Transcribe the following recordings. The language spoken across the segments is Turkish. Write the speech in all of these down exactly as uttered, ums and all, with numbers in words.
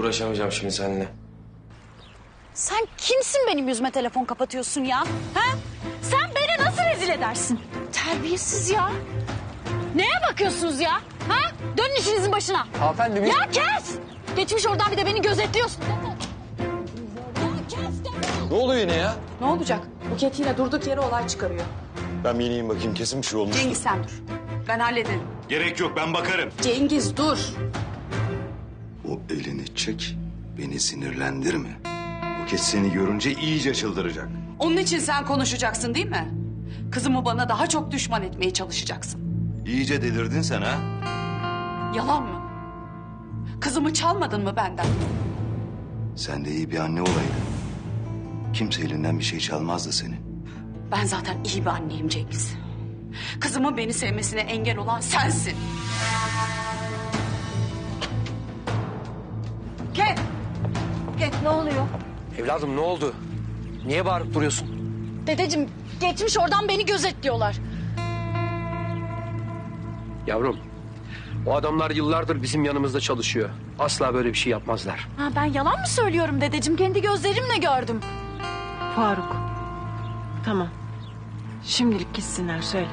uğraşamayacağım şimdi seninle. Sen kimsin benim yüzüme telefon kapatıyorsun ya? Ha? Sen beni nasıl rezil edersin? Terbiyesiz ya. Neye bakıyorsunuz ya? Ha? Dönün işinizin başına. Hanımefendi biz... Ya kes! Geçmiş oradan bir de beni gözetliyorsun. Ya kes de. Ne oluyor yine ya? Ne olacak? Buket yine durduk yere olay çıkarıyor. Ben bir ineyim bakayım, kesin bir şey olmuş. Cengiz sen dur. Ben hallederim. Gerek yok, ben bakarım. Cengiz dur. O elini çek, beni sinirlendirme. Buket seni görünce iyice çıldıracak. Onun için sen konuşacaksın değil mi? Kızımı bana daha çok düşman etmeye çalışacaksın. İyice delirdin sen ha? Yalan mı? Kızımı çalmadın mı benden? Sen de iyi bir anne olaydın. Kimse elinden bir şey çalmazdı senin. Ben zaten iyi bir anneyim Cengiz. Kızımın beni sevmesine engel olan sensin. Buket! Buket ne oluyor? Evladım ne oldu? Niye bağırıp duruyorsun? Dedeciğim geçmiş oradan beni gözetliyorlar. Yavrum, o adamlar yıllardır bizim yanımızda çalışıyor. Asla böyle bir şey yapmazlar. Ha, ben yalan mı söylüyorum dedeciğim? Kendi gözlerimle gördüm. Faruk. Tamam. Şimdilik gitsinler söyle.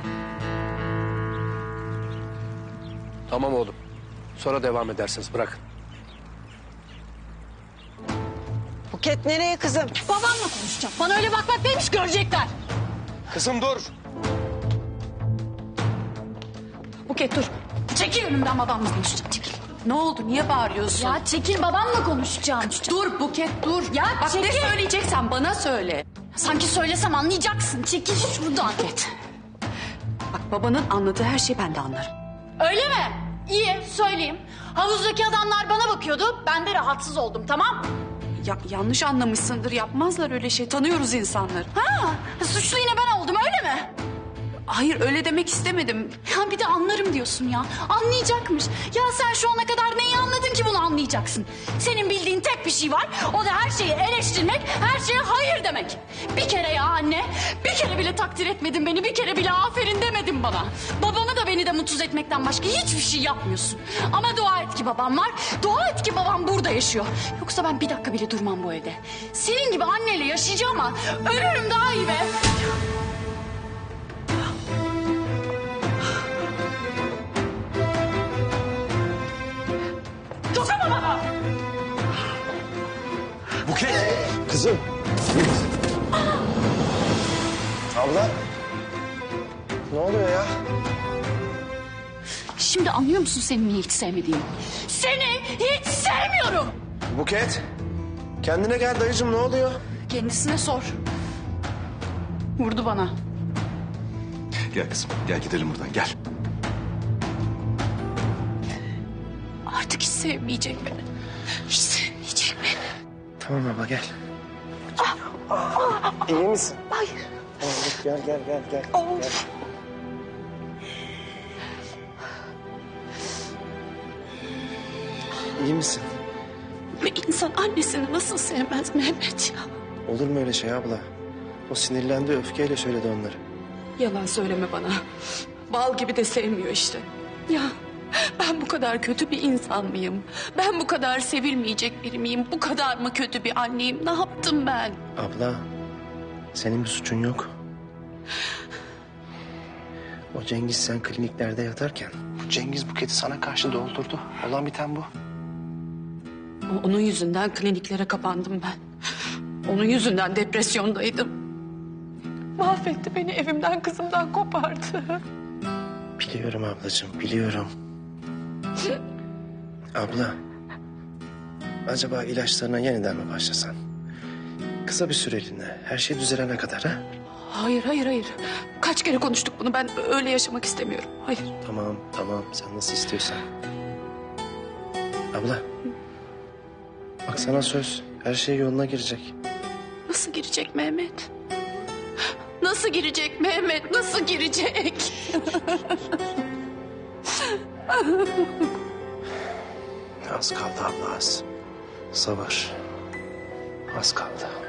Tamam oğlum. Sonra devam edersiniz, bırakın. Buket nereye kızım? Babamla konuşacağım. Bana öyle bak bak neymiş görecekler. Kızım dur. Buket dur. Çekil önümden babamla konuşacağım. Çekil. Ne oldu? Niye bağırıyorsun? Ya çekil babamla konuşacağım. Dur Buket dur. Ya Bak ne çekil. söyleyeceksen bana söyle. Sanki söylesem anlayacaksın. Çekil şuradan. Buket. Bak babanın anladığı her şeyi ben de anlarım. Öyle mi? İyi söyleyeyim. Havuzdaki adamlar bana bakıyordu. Ben de rahatsız oldum tamam. Ya, yanlış anlamışsındır. Yapmazlar öyle şey. Tanıyoruz insanları. Ha, suçlu yine ben oldum öyle mi? Hayır öyle demek istemedim. Ya bir de anlarım diyorsun ya. Anlayacakmış. Ya sen şu ana kadar neyi anladın ki bunu anlayacaksın? Senin bildiğin tek bir şey var. O da her şeyi eleştirmek, her şeye hayır demek. Bir kere ya anne, bir kere bile takdir etmedin beni, bir kere bile aferin demedin bana. Babamı da beni de mutsuz etmekten başka hiçbir şey yapmıyorsun. Ama dua et ki babam var, dua et ki babam burada yaşıyor. Yoksa ben bir dakika bile durmam bu evde. Senin gibi anneyle yaşayacağım ama ölürüm daha iyi be. Dokunma bana! Buket! Kızım! Abla. Ne oluyor ya? Şimdi anlıyor musun seni niye hiç sevmediğimi? Seni hiç sevmiyorum! Buket. Kendine gel dayıcığım, ne oluyor? Kendisine sor. Vurdu bana. Gel kızım, gel gidelim buradan, gel. Artık hiç sevmeyecek beni. Hiç sevmeyecek beni. Tamam abla gel. İyi misin? Hayır. Tamam, gel gel gel gel. gel. İyi misin? Bir insan annesini nasıl sevmez Mehmet ya? Olur mu öyle şey abla? O sinirlendi, öfkeyle söyledi onları. Yalan söyleme bana. Bal gibi de sevmiyor işte. Ya ben bu kadar kötü bir insan mıyım? Ben bu kadar sevilmeyecek biri miyim? Bu kadar mı kötü bir anneyim? Ne yaptım ben? Abla, senin bir suçun yok. O Cengiz sen kliniklerde yatarken... ...bu Cengiz Buket'i sana karşı doldurdu. Olan biten bu. O- Onun yüzünden kliniklere kapandım ben. Onun yüzünden depresyondaydım. Mahvetti beni, evimden kızımdan kopardı. Biliyorum ablacığım, biliyorum. Abla, acaba ilaçlarına yeniden mi başlasan? Kısa bir süreliğine, her şey düzelene kadar ha? Hayır, hayır, hayır. Kaç kere konuştuk bunu. Ben öyle yaşamak istemiyorum. Hayır. Tamam, tamam. Sen nasıl istiyorsan. Abla, bak sana söz. Her şey yoluna girecek. Nasıl girecek Mehmet? Nasıl girecek Mehmet? Nasıl girecek? Az kaldı abla, az. Sabır. Az kaldı.